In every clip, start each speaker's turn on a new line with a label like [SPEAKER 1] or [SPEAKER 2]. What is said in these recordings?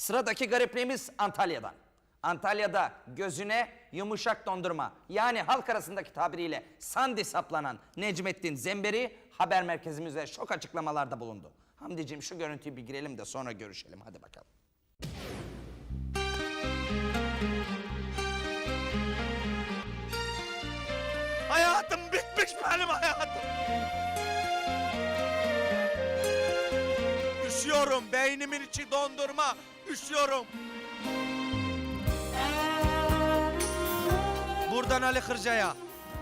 [SPEAKER 1] Sıradaki garipliğimiz Antalya'dan. Antalya'da gözüne yumuşak dondurma, yani halk arasındaki tabiriyle sandi saplanan Necmettin Zemberi haber merkezimize şok açıklamalarda bulundu. Hamdiciğim şu görüntüyü bir girelim de sonra görüşelim. Hadi bakalım.
[SPEAKER 2] Hayatım bitmiş benim hayatım. Üşüyorum, beynimin içi dondurma, üşüyorum. Buradan Ali Kırca'ya.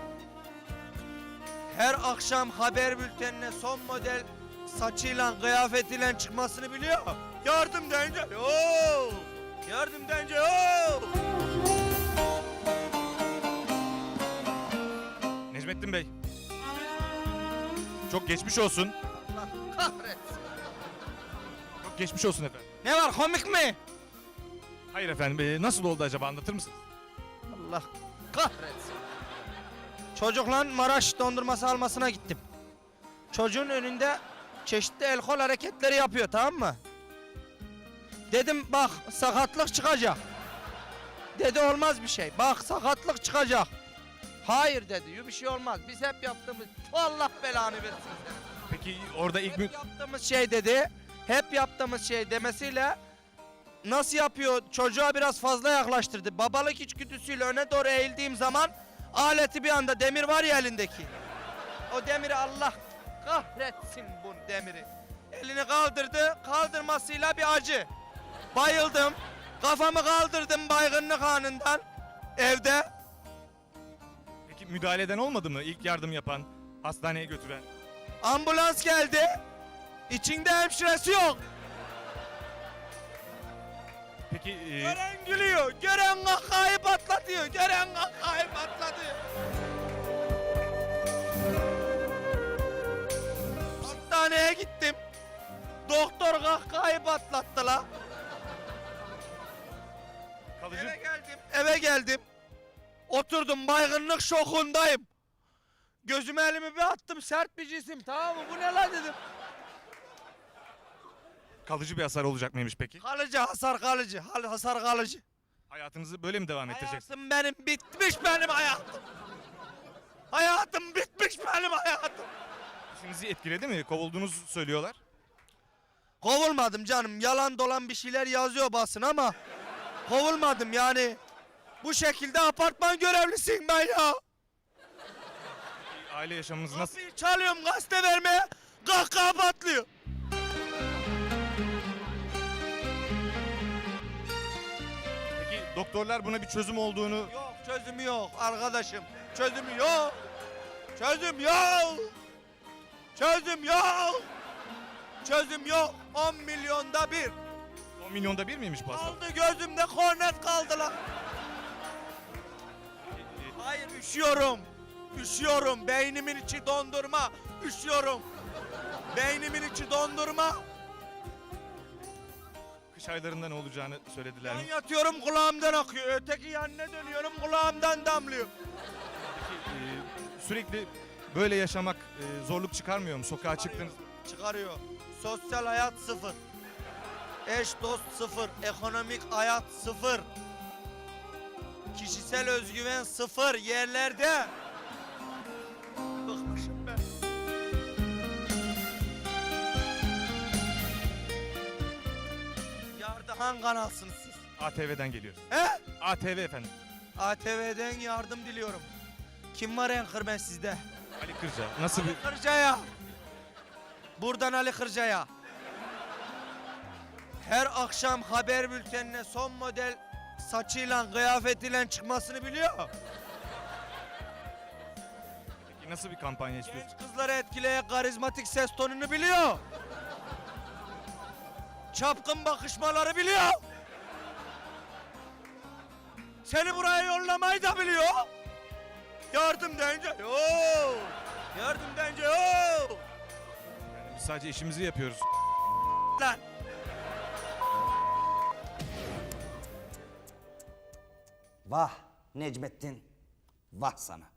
[SPEAKER 2] Her akşam haber bültenine son model saçıyla, kıyafetiyle çıkmasını biliyor. Yardım deyince, ooo! Yardım deyince, ooo!
[SPEAKER 3] Necmettin Bey. Çok geçmiş olsun.
[SPEAKER 2] Allah kahretsin.
[SPEAKER 3] Çok geçmiş olsun efendim.
[SPEAKER 2] Ne var, komik mi?
[SPEAKER 3] Hayır efendim. Nasıl oldu acaba, anlatır mısınız?
[SPEAKER 2] Allah kahretsin. Çocukla Maraş dondurması almasına gittim. Çocuğun önünde çeşitli el kol hareketleri yapıyor, tamam mı? Dedim bak sakatlık çıkacak. Dedi olmaz bir şey. Bak sakatlık çıkacak. Hayır dedi, bir şey olmaz. Biz hep yaptığımız, Allah belanı versin seni.
[SPEAKER 3] Peki orada ilk
[SPEAKER 2] Hep yaptığımız şey dedi. Hep yaptığımız şey demesiyle nasıl yapıyor? Çocuğa biraz fazla yaklaştırdı. Babalık içgüdüsüyle öne doğru eğildiğim zaman aleti bir anda, demir var ya elindeki. O demiri, Allah kahretsin bu demiri. Elini kaldırdı, kaldırmasıyla bir acı. Bayıldım. Kafamı kaldırdım baygınlık anından evde.
[SPEAKER 3] Peki müdahaleden olmadı mı? İlk yardım yapan, hastaneye götüren.
[SPEAKER 2] Ambulans geldi. İçinde hemşiresi yok.
[SPEAKER 3] Peki
[SPEAKER 2] Gören gülüyor, gören kahkahayı patlatıyor, gören kahkahayı patlatıyor. Hastaneye gittim. Doktor kahkahayı patlattı la.
[SPEAKER 3] kalıcı
[SPEAKER 2] Eve geldim. Oturdum, baygınlık şokundayım. Gözüme elimi bir attım, sert bir cisim, tamam mı? Bu ne la dedim.
[SPEAKER 3] kalıcı bir hasar olacak mıymış peki?
[SPEAKER 2] Kalıcı hasar, kalıcı, hasar kalıcı.
[SPEAKER 3] Hayatınızı böyle mi devam ettireceksiniz?
[SPEAKER 2] Hayatım benim bitmiş, benim hayatım. Hayatım bitmiş, benim hayatım.
[SPEAKER 3] İşinizi etkiledi mi? Kovulduğunuzu söylüyorlar.
[SPEAKER 2] Kovulmadım canım. Yalan dolan bir şeyler yazıyor basın ama kovulmadım yani. Bu şekilde apartman görevlisiyim ben ya.
[SPEAKER 3] Aile yaşamınız nasıl?
[SPEAKER 2] Kapıyı çalıyorum gazete vermeye, kahkaha patlıyor.
[SPEAKER 3] Peki doktorlar buna bir çözüm olduğunu...
[SPEAKER 2] Yok, çözümü yok arkadaşım. Çözümü yok. Çözüm yok. Çözüm yok. Çözüm yok. 10 milyonda bir.
[SPEAKER 3] 10 milyonda bir miymiş bu hastalık?
[SPEAKER 2] Kaldı gözümde kornet kaldı lan. Hayır, üşüyorum. Üşüyorum. Beynimin içi dondurma. Üşüyorum. Beynimin içi dondurma.
[SPEAKER 3] Kış aylarında ne olacağını söylediler
[SPEAKER 2] Ben
[SPEAKER 3] mi?
[SPEAKER 2] yatıyorum, kulağımdan akıyor. Öteki yanına dönüyorum, kulağımdan damlıyor.
[SPEAKER 3] Peki sürekli böyle yaşamak zorluk çıkarmıyor mu? Sokağa çıktınız.
[SPEAKER 2] Çıkarıyor. Sosyal hayat sıfır. Eş dost sıfır. Ekonomik hayat sıfır. Kişisel özgüven sıfır yerlerde. Bıkmışım ben. Yardıhan kanalsınız siz.
[SPEAKER 3] ATV'den geliyoruz.
[SPEAKER 2] He?
[SPEAKER 3] ATV efendim.
[SPEAKER 2] ATV'den yardım diliyorum. Kim var Anchorman sizde?
[SPEAKER 3] Ali Kırca. Nasıl bir...
[SPEAKER 2] Kırca'ya. Buradan Ali Kırca'ya. Her akşam haber bültenine son model saçıyla, kıyafetiyle çıkmasını biliyor.
[SPEAKER 3] Peki nasıl bir kampanya istiyorsun?
[SPEAKER 2] Genç kızları etkileyen karizmatik ses tonunu biliyor. Çapkın bakışmaları biliyor. Seni buraya yollamayı da biliyor. Yardım deyince yoo. Yardım deyince yoo.
[SPEAKER 3] Biz sadece işimizi yapıyoruz.
[SPEAKER 2] Lan.
[SPEAKER 1] Vah Necmettin, vah sana.